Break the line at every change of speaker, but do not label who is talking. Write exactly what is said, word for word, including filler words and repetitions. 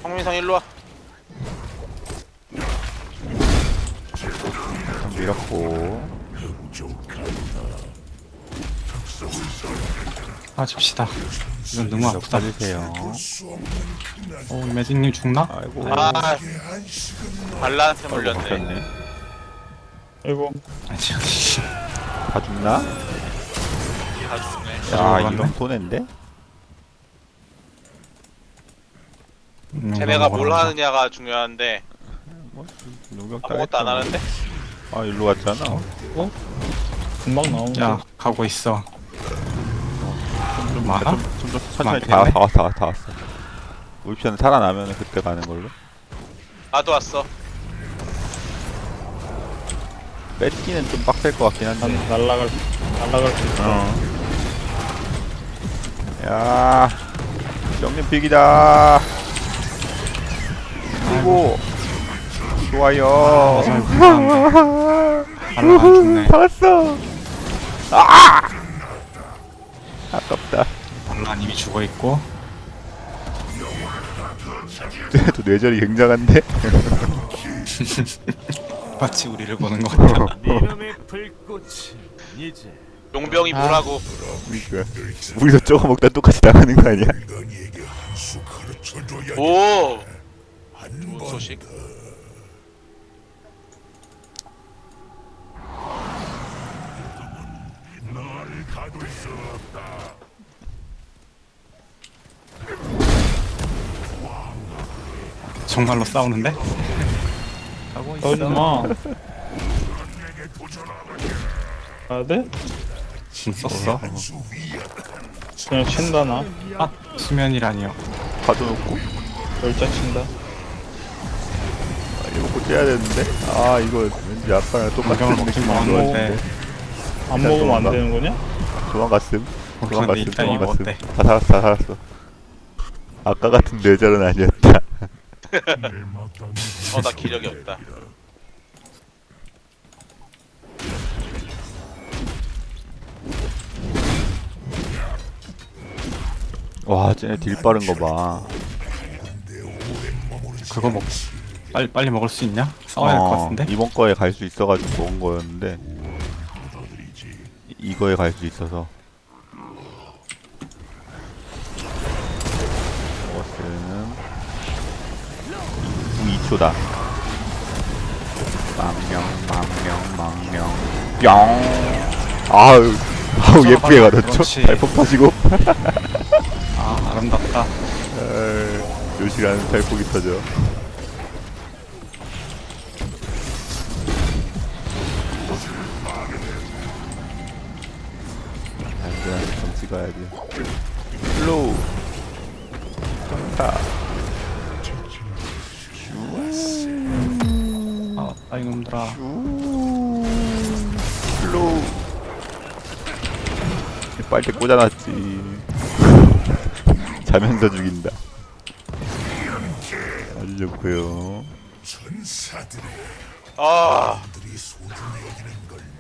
황민성 일로 와.
밀었고.
빠집시다. 이건 너무 아프다.
빠지세요.
어, 매직님 죽나?
아이고.
아, 발란한테
아이고,
물렸네.
먹혔네.
아이고.
아니,
다 죽나?
다 죽네.
야,
죽어갔네.
이건 손해인데?
음,
쟤네가
이거
뭘
먹어라.
하느냐가 중요한데
뭐, 용병
아무것도 안 하는데?
아, 일로 갔잖아.
어? 금방 나오는데.
야, 가고 있어. 좀 많아?
좀, 좀, 더 천천히
많겠네?
다, 다 왔어, 다 왔어, 다 왔어. 울피션 살아나면 그때 가는 걸로.
나도 왔어.
뺏기는 좀 빡셀 것 같긴
난
한데.
날라갈 날라갈 수 있어.
어. 야, 정님 빅이다. 그리고 좋아요.
잘 불안한데. 발라가 안 죽네.
살았어. 아! 아깝다.
발란 이미 죽어있고.
또 뇌절이 굉장한데.
마치 우리를 보는 것 같아.
이놈의 불꽃이 이제
용병이 뭐라고?
그러니까 우리도 조금 먹다 똑같이 당하는 거 아니야?
오! 좋은 소식.
정말로 싸우는데?
하고
싸우지 마. 가야 돼?
진 썼어.
그냥 친다 나.
아, 수면이라니요.
가둬놓고
열자 친다.
아, 이거 먹고 째야 되는데. 아 이거 왠지 아빠랑 똑같은
공격을 먹긴
느낌이
먹었는데.
안
일단
먹으면 안
도망가.
되는 거냐?
도망갔음.
그런데
도망갔음.
일단 이거
도망갔음.
어때?
다 살았어, 다 살았어. 아까 같은 뇌절은 아니었다.
어, 나 기력이 없다.
와, 쟤네 딜 빠른 거 봐.
그거 먹, 빨리, 빨리 먹을 수 있냐? 싸워야 할 것
어,
같은데?
이번 거에 갈 수 있어가지고 먹은 거였는데 이- 이거에 갈 수 있어서 먹었음. 이 초다. 망명, 망명, 망명, 뿅. 아유, 아우 예쁘게 가졌죠?
그렇지.
발폭 터지고.
아, 아름답다.
에이, 요시라는 발폭이 터져. 안전하게 좀 찍어야지. 슬로우. 자,
아, 아 이놈들아.
슬로우. 빨대 꽂아놨지. 자면서 죽인다. 아주 좋고요.
아,